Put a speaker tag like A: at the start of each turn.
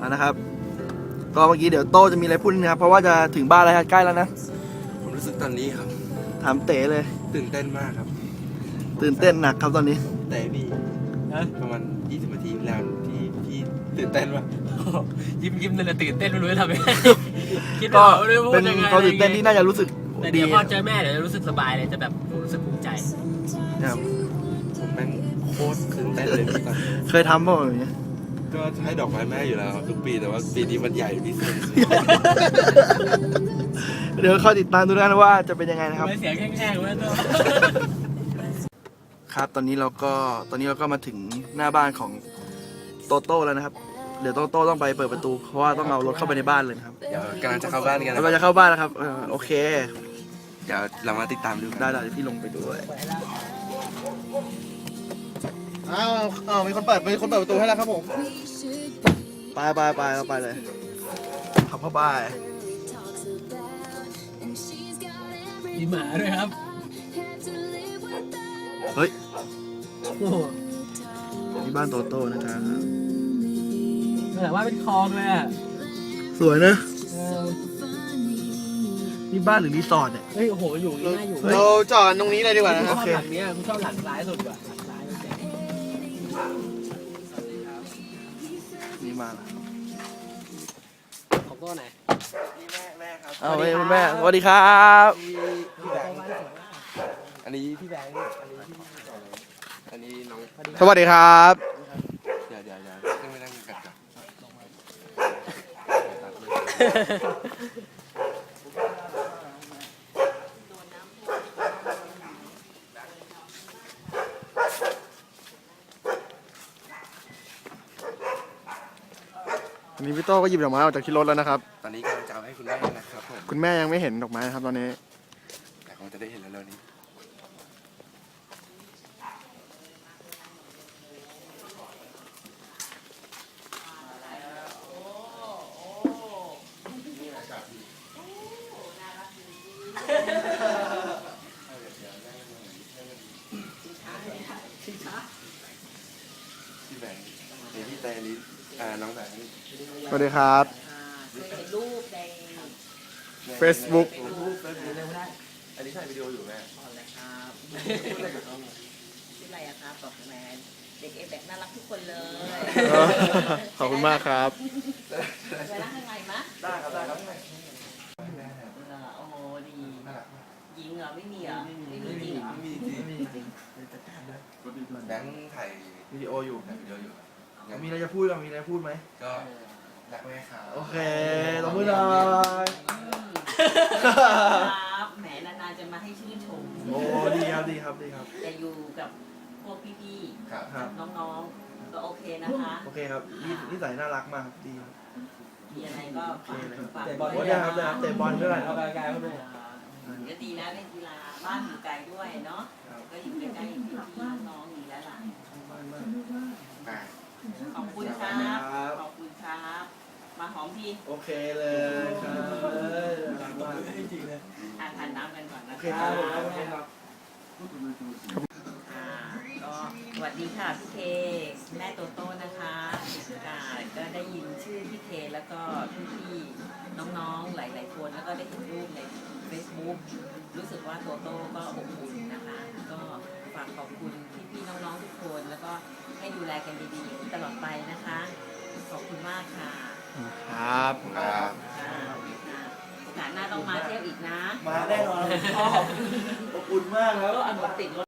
A: นะครับก็เมื่อกี้เดี๋ยวโต้จะมีอะไรพูดนะครับเพราะว่าจะถึงบ้านแล้วใกล้แล้วนะ
B: ผมรู้สึกตอนนี้ครับ
A: ถามเต๋เลย
B: ตื่นเต้นมากครับ
A: ตื่นเต้นหนักครับตอนนี้
B: แต่พี่ประมาณ20 นาทีแล้วที่ตื่นเต้นวะ
C: ยิ้มเลยตื่นเต้นไม่รู้จะทำยังไงคิด
A: ก็
C: ว่าไม่รู้
A: เป็น
C: ยังไง
A: ความตื่นเต้นที่น่าจะรู้สึก
C: แต่
A: ดี
C: เดี๋ยวพอเจอแม่เดี๋ยวจะรู้สึกสบายเลยจะแบบรู้สึกภูมิใจ
A: นะครับ
B: ผมแม่งโคตรตื่นเต้นเลยพี่ตอน
A: เคยทำป่ะแบบนี้
B: ก็ให้ดอกไม้แม่อยู่แล้วครับทุกปีแต่ว่าปีนี้มันใหญ่พิเศษ
A: เดี๋ยวคอยติดตามดูนะว่าจะเป็นยังไงนะครับ
C: เสียงแห้งๆเลยตัว
A: ครับตอนนี้เราก็มาถึงหน้าบ้านของโตโต้แล้วนะครับเดี๋ยวโตโต้ต้องไปเปิดประตูเพราะว่าต้องเอารถเข้าไปในบ้านเลยนะครับ
B: เดี๋ยวกำลังจะเข้าบ้านกันนะ
A: เราจะเข้าบ้านแล้วครับโอเค
B: เดี๋ยวเรามาติดตามดู
A: ได้เดี๋ยวพี่ลงไปด้วยอ้าวมีคนเปิดประตูให้แล้วครับผมไปเราไปเลยขับเข้าบ้าน
C: มีหมาด้วยครับ
A: เฮ้ย
C: โอ้โห
A: นี่บ้านโตโต้นะครับ
C: แต่ว่าเป็นคลองเลยอ่ะ
A: สวยนะนี่บ้านหรือรีสอร์ทเนี่ย
C: เฮ้ยโอ้โหอยู่ง่ายอยู่
A: เราจอดตรงนี้เลยดีกว่านะ
C: ช
A: โอ
C: อบ
A: เค
C: หลังนี้กูชอบหลังซ้ายสุดกว่าหลังซ้ายเจ๋ง
A: นี่มาแล้ว
C: ขอบคุณไหน
A: เอาไปคุณแม่สวัสดีครับ
B: พี่แบงค์อันนี้พี่แบงค์อันนี้น้อง
A: สวัสดีครับ
B: เดี๋ยวขึ้นไปนั่งกันก่อน
A: อันนี้พี่โต้ก็หยิบดอกไม้ออกจากที่รถแล้วนะครับ
B: ตอนนี้กำลังจะเอาให้คุณแม่นะครับผม
A: คุณแม่ยังไม่เห็นดอกไม้นะครับตอนนี้
B: แต่คงจะได้เห็นแล้วนี้พี่แบงค์เดี๋ยวพี่แต่ลิน้องแบงค์
A: สวัสดีครับ
D: เคยเห็นรูปใน
A: Facebook
B: อันนี้ถ่ายวิดีโออยู่แม่
D: ก่อนเลยครับชื่ออะไรอะครับบอกแมนเด็กเอแบกน่ารักทุกคนเลย
A: ขอบคุณมากครับ
D: ไปนั่งข้างในมะ
B: ได้ครับ
D: โอ้โหดีหญิงเหรอไม่มีเหรอไม่มีจริงเหรอ
B: มีจริงแบงค์ถ่าย
A: วิดีโออยู่
B: ถ่ายวิดีโออยู่
A: มีอะไรจะพูดมีอะไรพูดไหม
B: ก็รักแม่ครับ
A: โอเคตบมือหน่อย
D: ครับแหมนานๆจะมาให้ชื่นชม
A: โอ้ดีครับ
D: จะอยู่กับพวกพี่
B: ครับ
A: ครับ
D: ๆน้องๆก็โอเคนะคะ
A: โอเคครับนิสัยน่ารักมากครับดีครับ
D: มีอะไรก็ฝากฝาก
A: โอ้ได้ครับเตะบอลด้วย
C: เอาไกลๆเขาด้วย
D: ก็ดีนะเล่นกีฬาบ้านอยู่ไกลด้วยเนาะก็อยู่ใกล้ๆพี่ๆน้องๆดีแล้วล่ะ
B: อ่า
D: ขอบคุณครับขอบคุณครับมาหอมพี่
A: โอเคเลยครับน่ารักมาก
C: จริงเลย
D: ทานน้ำกันก่อนนะ
A: โอเคครับโอเคครับ
D: ก็สวัสดีค่ะพี่เคแม่โตโต้นะคะก็ได้ยินชื่อพี่เคแล้วก็พี่ๆน้องๆหลายๆคนแล้วก็ได้เห็นรูปใน Facebook รู้สึกว่าโตโต้ก็อบอุ่นนะคะก็ฝากขอบคุณพี่ๆน้องๆทุกคนแล้วก็ให้ดูแลกันดีๆตลอดไปนะคะขอบคุณมากค่ะ
A: ครับ
B: ครับ
D: โอกาสหน้าต้องมาเที่ยวอีกนะ
A: มาแน่นอนชอบอบอุ่นมากครับ
D: ก็เอาหนูติดรถ